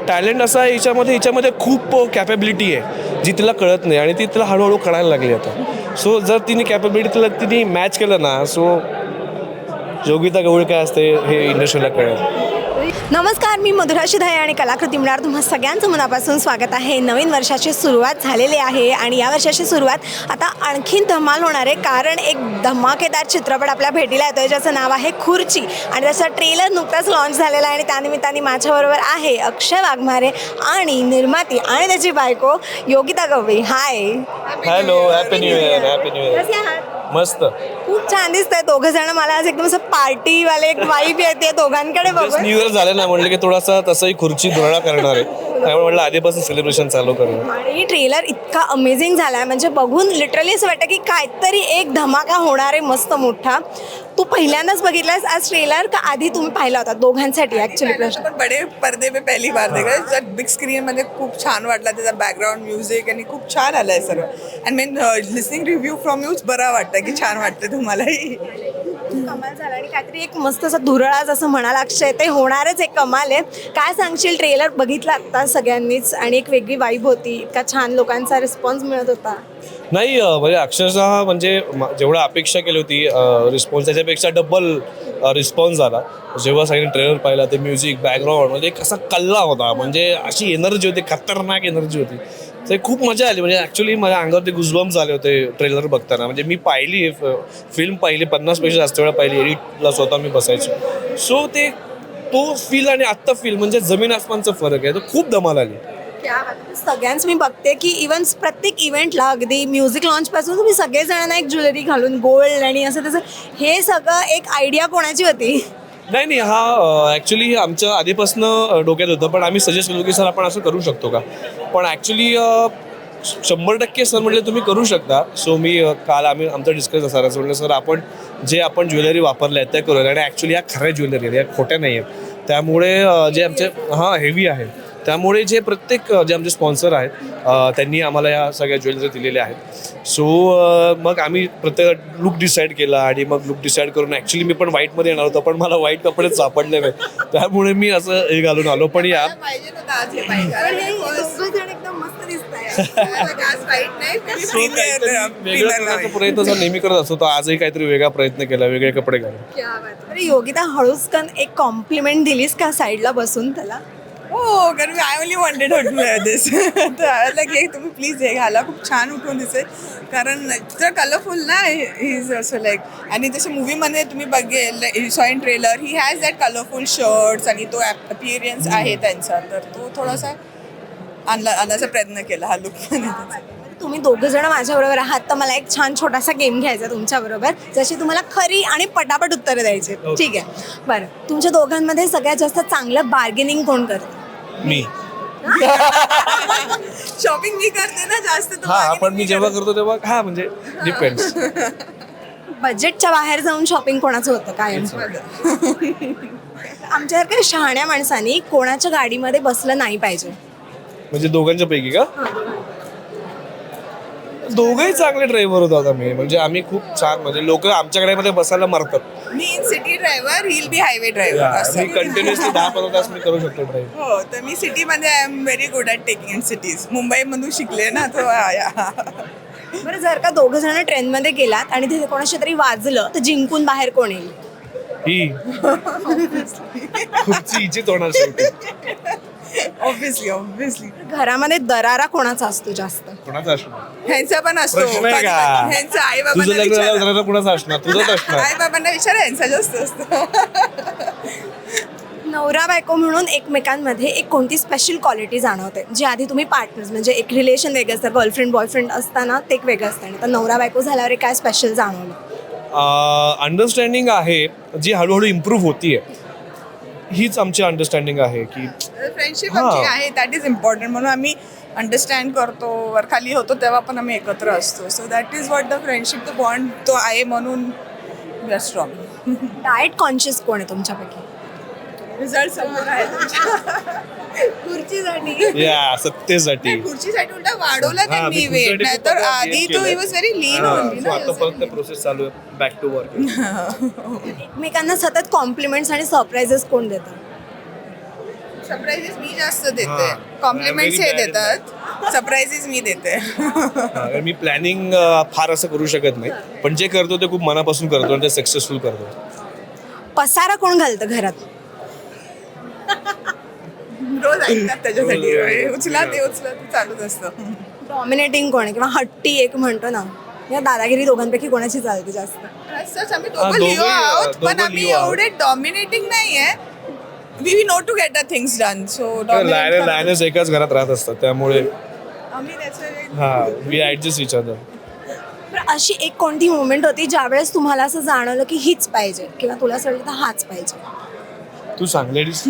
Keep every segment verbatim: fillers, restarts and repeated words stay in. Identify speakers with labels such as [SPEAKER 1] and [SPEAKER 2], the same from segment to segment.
[SPEAKER 1] Talent असा आहे हिच्यामध्ये हिच्यामध्ये खूप कॅपेबिलिटी आहे जी तिला कळत नाही आणि ती तिला हळूहळू कळायला लागली आता. सो जर तिने कॅपेबिलिटी तिला तिने मॅच केलं ना, सो योगिता गवळी काय असते हे इंडस्ट्रीला कळेल.
[SPEAKER 2] नमस्कार, मी मधुरा शिधाळे आणि कलाकृती मिळणार तुम्हा सगळ्यांचं मनापासून स्वागत आहे. नवीन वर्षाची सुरुवात झालेली आहे आणि या वर्षाची सुरुवात आता आणखीन धमाल होणार आहे, कारण एक धमाकेदार चित्रपट आपल्या भेटीला येतोय ज्याचं नाव आहे खुर्ची आणि त्याचा ट्रेलर नुकताच लॉन्च झालेला आहे. आणि त्यानिमित्ताने माझ्याबरोबर आहे अक्षय वाघमारे आणि निर्माती आणि त्याची बायको Yogita Gawali. Hi,
[SPEAKER 1] hello, happy new year. Happy new year.
[SPEAKER 2] कसे आहात?
[SPEAKER 1] मस्त,
[SPEAKER 2] खूप छान दिसत आहे दोघं जण. मला आज एकदम असं पार्टीवाले एक वाईब येते दोघांकडे बघून.
[SPEAKER 1] न्यू इयर झालं ना, म्हटलं की थोडासा तसंही खुर्ची धुळा करणार आहे, त्यामुळे म्हटलं आधीपासून सेलिब्रेशन चालू करूया.
[SPEAKER 2] आणि ट्रेलर इतका अमेझिंग झाला आहे, म्हणजे बघून लिटरली असं वाटतं की काहीतरी एक धमाका होणार आहे मस्त मोठा. तू पहिल्यांदाच बघितलास आज ट्रेलर का आधी तुम्ही पाहिला होता दोघांसाठी? ऍक्च्युली प्रश्न
[SPEAKER 3] पण बडे पर्दे पे पहिली बार देखा, बिग स्क्रीन मध्ये खूप छान वाटला, त्याचा बॅकग्राऊंड म्युझिक आणि खूप छान आलाय सर्व. And main listening review from यूच बरा वाटतं की छान वाटतं तुम्हालाही.
[SPEAKER 2] कमाल झाला आणि काहीतरी एक मस्त असं धुरळाच असं म्हणाला अक्षय, ते होणारच एक कमाल आहे. काय सांगशील, ट्रेलर बघितला आता सगळ्यांनीच आणि एक वेगळी वाईब होती, इतका छान लोकांचा रिस्पॉन्स मिळत होता.
[SPEAKER 1] नाही म्हणजे अक्षरशः म्हणजे जेवढा अपेक्षा केली होती रिस्पॉन्स त्याच्यापेक्षा डबल रिस्पॉन्स झाला. जेव्हा सगळ्यांनी ट्रेलर पाहिला, ते म्युझिक बॅकग्राऊंड म्हणजे एक असा कल्ला होता, म्हणजे अशी एनर्जी होती, खतरनाक एनर्जी होती. ते खूप मजा आली. म्हणजे ॲक्च्युली माझ्या अंगावरती गुजबम्स झाले होते ट्रेलर बघताना. म्हणजे मी पाहिली फिल्म पाहिली पन्नासपेक्षा जास्त वेळा पाहिली, एडिटला स्वतः मी बसायचो. सो ते तो फील आणि आत्ता फील म्हणजे जमीन आसमानचा फरक आहे. तर खूप धमाल आली.
[SPEAKER 2] सगळ्यांच मी बघते की इव्हन प्रत्येक इव्हेंटला अगदी म्युझिक लॉन्च पासून तुम्ही सगळेजणांना एक ज्वेलरी घालून गोल्ड आणि असं तसं, हे सगळं एक आयडिया कोणाची होती?
[SPEAKER 1] नाही नाही हा ॲक्च्युली आमच्या आधीपासून डोक्यात होतं, पण आम्ही सजेस्ट केलो की सर आपण असं करू शकतो का. पण ॲक्च्युली शंभर टक्के सर म्हटले तुम्ही करू शकता. सो मी काल आम्ही आमचं डिस्कस असं असं म्हटलं सर आपण जे आपण ज्वेलरी वापरल्या आहेत त्या करूया, आणि ॲक्च्युली या खऱ्या ज्वेलरी आहेत, या खोट्या नाही आहेत. त्यामुळे जे आमचे हां हेवी आहे, त्यामुळे जे प्रत्येक जे आमचे स्पॉन्सर आहेत त्यांनी आम्हाला या सगळ्या ज्वेलरी दिलेल्या आहेत. सो मग आम्ही प्रत्येक लुक डिसाईड केला आणि मग लुक डिसाईड करून ॲक्च्युली मी पण व्हाईटमध्ये येणार होतो, पण मला व्हाईट कपडेच सापडले नाही, त्यामुळे मी असं हे घालून आलो. पण या प्रयत्न नेहमी करत असतो, तर आजही काहीतरी वेगळा प्रयत्न केला, वेगळे कपडे घालून.
[SPEAKER 2] अरे योगिता, हळूचकन एक कॉम्प्लिमेंट दिलीस का साईडला बसून त्याला?
[SPEAKER 3] हो, कारण I only wanted her to wear this. तर आय की तुम्ही प्लीज हे घाला, खूप छान उठून दिसेल, कारण इतकं कलरफुल ना ही इज असं लाईक. आणि जसं मूवीमध्ये तुम्ही बघेल saw in trailer, he has that colourful shirts आणि तो अपिअरन्स आहे त्यांचा, तर तो थोडासा आणला आणण्याचा प्रयत्न केला हा लुक.
[SPEAKER 2] तुम्ही दोघं जण माझ्याबरोबर आहात, तर मला एक छान छोटासा गेम घ्यायचा तुमच्याबरोबर, जशी तुम्हाला खरी आणि पटापट उत्तरं द्यायची. ठीक आहे, बरं. तुमच्या दोघांमध्ये सगळ्यात जास्त चांगलं बार्गेनिंग कोण करतं?
[SPEAKER 1] मी.
[SPEAKER 3] शॉपिंग मी करते ना जास्त.
[SPEAKER 1] हा, पण मी जेव्हा करतो तेव्हा हा म्हणजे डिपेंड्स.
[SPEAKER 2] बजेटच्या बाहेर जाऊन शॉपिंग कोणाचं होतं काय? आमच्यासारख्या शहाण्या माणसांनी कोणाच्या गाडीमध्ये बसलं नाही पाहिजे.
[SPEAKER 1] म्हणजे दोघांच्या पैकी का? दोघंही चांगले ड्रायव्हर होतो आता मी, म्हणजे आम्ही खूप छान, म्हणजे लोक आमच्या गाडीमध्ये बसायला मारतात.
[SPEAKER 3] मी in city driver, he will be highway driver.
[SPEAKER 1] मी कंटिन्युअसली दहा पंधरा तास मी करू शकतो ड्राईव्ह.
[SPEAKER 3] हो, तर मी सिटीमध्ये I am very good at taking in cities. मुंबईमधून शिकले ना तो.
[SPEAKER 2] बरं, जर का दोघं जण ट्रेनमध्ये गेलात आणि तिथे कोणाशी तरी वाजलं, तर जिंकून बाहेर कोण येईल?
[SPEAKER 1] ही खूपची हिचीच होणार शेवटी.
[SPEAKER 3] ऑब्व्हियसली ऑब्व्हियसली
[SPEAKER 2] घरामध्ये दरारा कोणाचा असतो जास्त?
[SPEAKER 1] कोणाचा असणार?
[SPEAKER 3] ह्यांचा पण असतो.
[SPEAKER 1] प्रश्न आहे का?
[SPEAKER 3] ह्यांचा आई
[SPEAKER 1] तुझं लग्न झाल्यावर
[SPEAKER 3] बाबांना
[SPEAKER 1] जरा कुणाचा असणार? तुझंच असणार.
[SPEAKER 3] आई बाबांना विचारा, ह्यांचा जास्त असतो.
[SPEAKER 2] नवरा बायको म्हणून एकमेकांमध्ये एक कोणती स्पेशल क्वालिटी जाणवते, जी आधी तुम्ही पार्टनर्स म्हणजे एक रिलेशन वेगळं असतं, गर्लफ्रेंड बॉयफ्रेंड असताना ते एक वेगळं असतं, आणि तर नवरा बायको झाल्यावर काय स्पेशल जाणवलं?
[SPEAKER 1] अंडरस्टँडिंग आहे जी हळूहळू इम्प्रूव्ह होतीये. हीच आमची अंडरस्टँडिंग आहे की
[SPEAKER 3] फ्रेंडशिप आमची आहे, दॅट इज इम्पॉर्टंट. म्हणून आम्ही अंडरस्टँड करतो, वर खाली होतो तेव्हा पण आम्ही एकत्र असतो. So that is what the friendship, the bond तो आहे, म्हणून we are strong.
[SPEAKER 2] Diet conscious कोण आहे तुमच्यापैकी?
[SPEAKER 3] रिझल्ट समोर आहे
[SPEAKER 2] खुर्चीसाठी.
[SPEAKER 1] या सत्तेसाठी.
[SPEAKER 3] खुर्चीसाठी उलटा वाढवला त्यांनी वेट, नाहीतर आधी तो ही वॉज व्हेरी लीन होती ना.
[SPEAKER 1] आता परत ते प्रोसेस चालू आहे, बॅक टू वर्क.
[SPEAKER 2] एकमेकांना सतत कॉम्प्लिमेंट्स आणि सरप्राइजेस कोण देतात?
[SPEAKER 3] सरप्राईजेस मी जास्त देते,
[SPEAKER 1] हां.
[SPEAKER 3] कॉम्प्लिमेंट्स हे
[SPEAKER 1] Very bad in
[SPEAKER 3] देतात, सरप्राईजेस मी देते.
[SPEAKER 1] हा, कारण मी प्लॅनिंग फार असं करू शकत नाही, पण जे करतो ते खूप मनापासून करतो आणि ते सक्सेसफुल करतो.
[SPEAKER 2] पसारा कोण घालतं घरात?
[SPEAKER 3] रोज ऐकतात त्याच्यासाठी,
[SPEAKER 1] रोज.
[SPEAKER 3] उचला ते उचला ते चालूच असतं.
[SPEAKER 2] डॉमिनेटिंग कोण आहे किंवा हट्टी एक म्हणतो ना, या दादागिरी दोघांपैकी कोणाची चालते जास्त?
[SPEAKER 3] असंच आम्ही
[SPEAKER 1] हा,
[SPEAKER 3] दोघं लिओ
[SPEAKER 1] दोघे,
[SPEAKER 3] आहोत, पण
[SPEAKER 1] दोघं
[SPEAKER 3] आम्ही
[SPEAKER 1] लिओ आहोत.
[SPEAKER 3] एवढे डॉमिनेटिंग नाहीये. We know to get the things done, so
[SPEAKER 1] lion लायनच एकाच घरात राहत असतात, त्यामुळे
[SPEAKER 3] आम्ही त्याचं
[SPEAKER 1] हा वी ऍडजस्ट इच अदर.
[SPEAKER 2] तर अशी एक कोणती मुवमेंट होती ज्यावेळेस तुम्हाला असं जाणवलं की हीच पाहिजे किंवा तुला असं वाटलं तर हाच पाहिजे?
[SPEAKER 1] तू सांग लेडीज.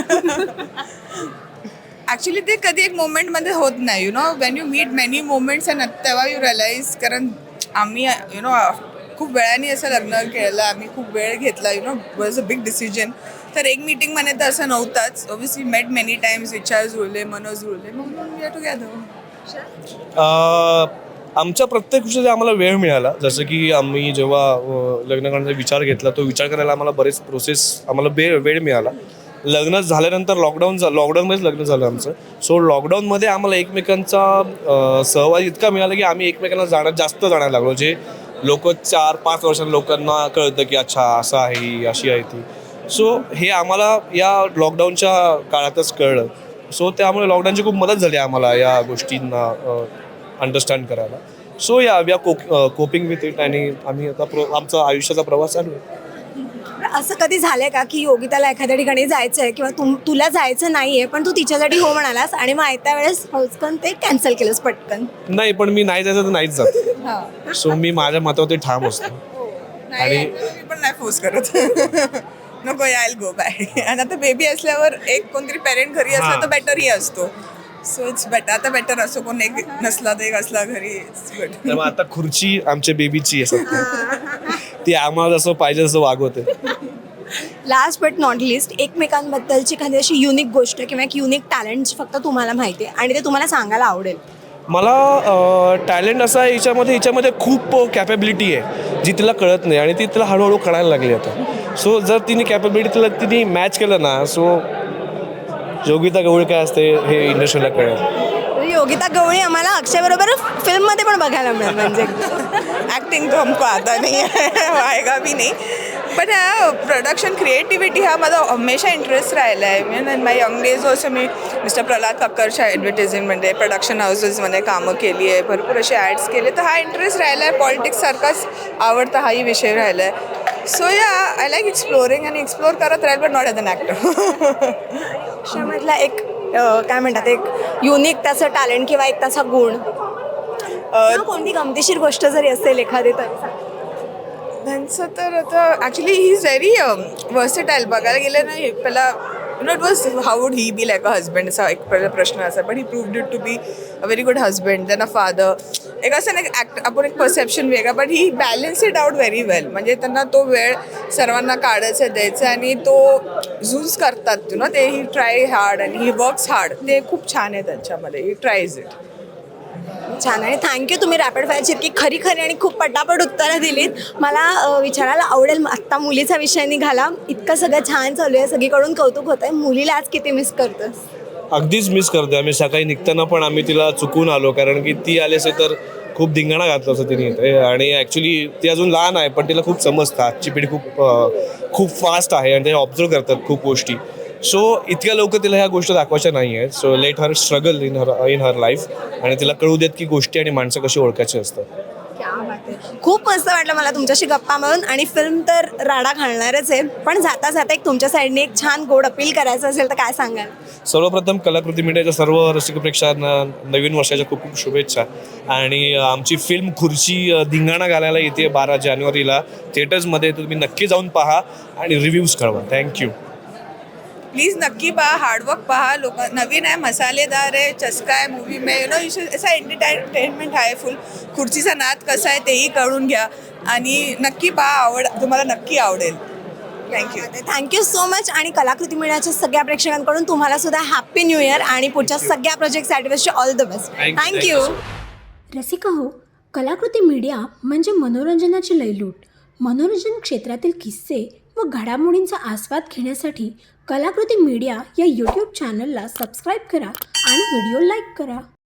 [SPEAKER 3] ॲक्च्युली ते कधी एक मोमेंटमध्ये होत नाही, you know when you meet many moments and तेव्हा यू रिअलाइज. कारण आम्ही यु नो खूप वेळाने असं लग्न केलं, आम्ही खूप वेळ घेतला, you know was a big decision. तर एक मीटिंगमध्ये तर असं नव्हताच. ऑब्व्हियसली मेट मेनी टाइम्स, विचार जुळले, मनोज जुळले, मग वी आर टुगेदर.
[SPEAKER 1] आमच्या प्रत्येक गोष्टीचा आम्हाला वेळ मिळाला. जसं की आम्ही जेव्हा अ, लग्न करण्याचा विचार घेतला, तो विचार करायला आम्हाला बरेच प्रोसेस आम्हाला वेळ वेळ मिळाला. लग्न झाल्यानंतर लॉकडाऊन झा लॉकडाऊनमध्येच लग्न झालं आमचं. सो लॉकडाऊनमध्ये आम्हाला एकमेकांचा अ, सहवास इतका मिळाला की आम्ही एकमेकांना जाणं जास्त जाणायला लागलो. जे लोक चार पाच वर्षांनी लोकांना कळतं की अच्छा असं आहे ही, अशी आहे ती. सो हे आम्हाला या लॉकडाऊनच्या काळातच कळलं. सो त्यामुळे लॉकडाऊनची खूप मदत झाली आम्हाला या गोष्टींना अंडरस्टँड करायला. So yeah we are co coping with it आणि आम्ही आता प्रो आमचा आयुष्याचा प्रवास चालू आहे.
[SPEAKER 2] असं कधी झालंय का की योगिताला एखाद्या ठिकाणी जायचं आहे किंवा तुम तुला जायचं नाही आहे पण तू तिच्यासाठी हो म्हणालास आणि मग आयत्या वेळेस हौचकन ते कॅन्सल केलंस पटकन?
[SPEAKER 1] नाही, पण मी नाही जायचं तर नाहीच जात. सो मी माझ्या मतावरती ठाम असतो.
[SPEAKER 3] नाही मी पण नाही फोर्स करत. नको आय गो बाय. आणि आता बेबी असल्यावर एक कोणतरी पेरेंट घरी असला तर बेटरही असतो. So it's better. आता बेटर असो, कोण एक नसला तर एक असला घरी, इट्स गुड.
[SPEAKER 1] त्यामुळे आता खुर्ची आमच्या बेबीची आहे सध्या. ती आम्हाला जसं पाहिजे तसं वागवते.
[SPEAKER 2] लास्ट बट नॉट लिस्ट, एकमेकांबद्दलची एखादी अशी युनिक गोष्ट किंवा एक युनिक टॅलेंट फक्त तुम्हाला माहिती आहे आणि ते तुम्हाला सांगायला आवडेल.
[SPEAKER 1] मला टॅलेंट असा आहे हिच्यामध्ये हिच्यामध्ये खूप कॅपेबिलिटी आहे जी तिला कळत नाही आणि ती तिला हळूहळू कळायला लागली आता. सो जर तिने कॅपेबिलिटी तिला तिने मॅच केलं ना, सो योगिता गवळी काय असते हे इंडस्ट्रीला कळेल.
[SPEAKER 2] योगिता गवळी आम्हाला अक्षयबरोबर फिल्ममध्ये पण बघायला मिळेल. म्हणजे
[SPEAKER 3] ॲक्टिंग तो हमको आता नाही आहे, आएगा भी नाही. बट प्रोडक्शन क्रिएटिव्हिटी हा माझा हमेशा इंटरेस्ट राहिला आहे. मी in my young days also मी मिस्टर प्रल्हाद कक्करच्या ॲडव्हर्टायझिंगमध्ये प्रोडक्शन हाऊसेसमध्ये कामं केली आहे, भरपूर असे ॲड्स केले. तर हा इंटरेस्ट राहिला आहे. पॉलिटिक्ससारखाच आवडता हाही विषय राहिला आहे. So yeah I like exploring आणि एक्सप्लोर करत राहील, but not as an actor.
[SPEAKER 2] अक्षयमधला एक अं, काय म्हणतात एक युनिक त्याचं टॅलेंट किंवा एक त्याचा गुण किंवा कोणती गमतीशीर गोष्ट जरी असेल एखादी तरी सांग.
[SPEAKER 3] त्यांचं तर आता actually he is very versatile. बघायला गेलं नाही पहिला you know it was how would he be like a husband, असा एक पहिला प्रश्न असा. But he proved it to be a very good husband, then a father. एक असं नाही ॲक्ट आपण एक परसेप्शन वेगळा, but he balance it out very well. म्हणजे त्यांना तो वेळ सर्वांना काढायचा द्यायचा आणि तो झूज करतात यु नो ते. ही ट्राय हार्ड आणि ही वर्क्स हार्ड. ते खूप छान आहे त्यांच्यामध्ये. He tries it.
[SPEAKER 2] छान. आणि थँक्यू, तुम्ही रॅपिड फायरची इतकी खरी खरी आणि खूप पटापट उत्तरं दिलीत. मला अ, विचारायला आवडेल, आत्ता मुलीचा विषय निघाला, इतकं सगळं छान चालू आहे, सगळीकडून कौतुक होतं आहे, मुलीला आज किती मिस करतोस?
[SPEAKER 1] अगदीच मिस करते. आम्ही सकाळी निघताना पण आम्ही तिला चुकून आलो, कारण की ती आली असेल तर खूप धिंगाणा घातला असं तिने इथे. आणि ॲक्च्युली ती अजून लहान आहे, पण तिला खूप समजतं. आजची पिढी खूप अ, खूप फास्ट आहे आणि ते ऑब्झर्व करतात खूप गोष्टी. सो इतक्या लवकर तिला ह्या गोष्टी दाखवायच्या नाही आहेत. So let her struggle in her in her life आणि तिला कळू देत की गोष्टी आणि माणसं कशी ओळखायची असतात.
[SPEAKER 2] खूप मस्त वाटलं मला तुमच्याशी गप्पा मारून. आणि फिल्म तर राडा घालणारच आहे, पण जाता जाता एक तुमच्या साईडने एक छान गोड अपील करायचं असेल तर काय सांगाल?
[SPEAKER 1] सर्वप्रथम कलाकृती मीडियाच्या सर्व रसिक प्रेक्षकांना नवीन वर्षाच्या खूप खूप शुभेच्छा. आणि आमची फिल्म खुर्ची धिंगाणा घालायला येते बारा जानेवारीला थिएटर्समध्ये. तुम्ही नक्की जाऊन पहा आणि रिव्ह्यूज कळवा. थँक्यू.
[SPEAKER 3] प्लीज नक्की पहा, हार्डवर्क पहा. लोक नवीन आहे, मसालेदार आहे, चस्का आहे मूवी में यु नो असा एंटरटेनमेंट आहे फुल. खुर्चीचा नाद कसा आहे तेही कळून घ्या आणि नक्की पहा. आवड तुम्हाला नक्की आवडेल. थँक्यू.
[SPEAKER 2] Thank you so much. आणि कलाकृती मीडियाच्या सगळ्या प्रेक्षकांकडून तुम्हाला सुद्धा हॅपी न्यू इयर आणि पुढच्या सगळ्या प्रोजेक्टसाठी all the best. Thank you.
[SPEAKER 4] Rasika हो, कलाकृती मीडिया म्हणजे मनोरंजनाची लयलूट. मनोरंजन क्षेत्रातील किस्से व घडामोडींचा आस्वाद घेण्यासाठी कलाकृती मीडिया या यूट्यूब चॅनलला सबस्क्राईब करा आणि व्हिडिओ लाईक करा.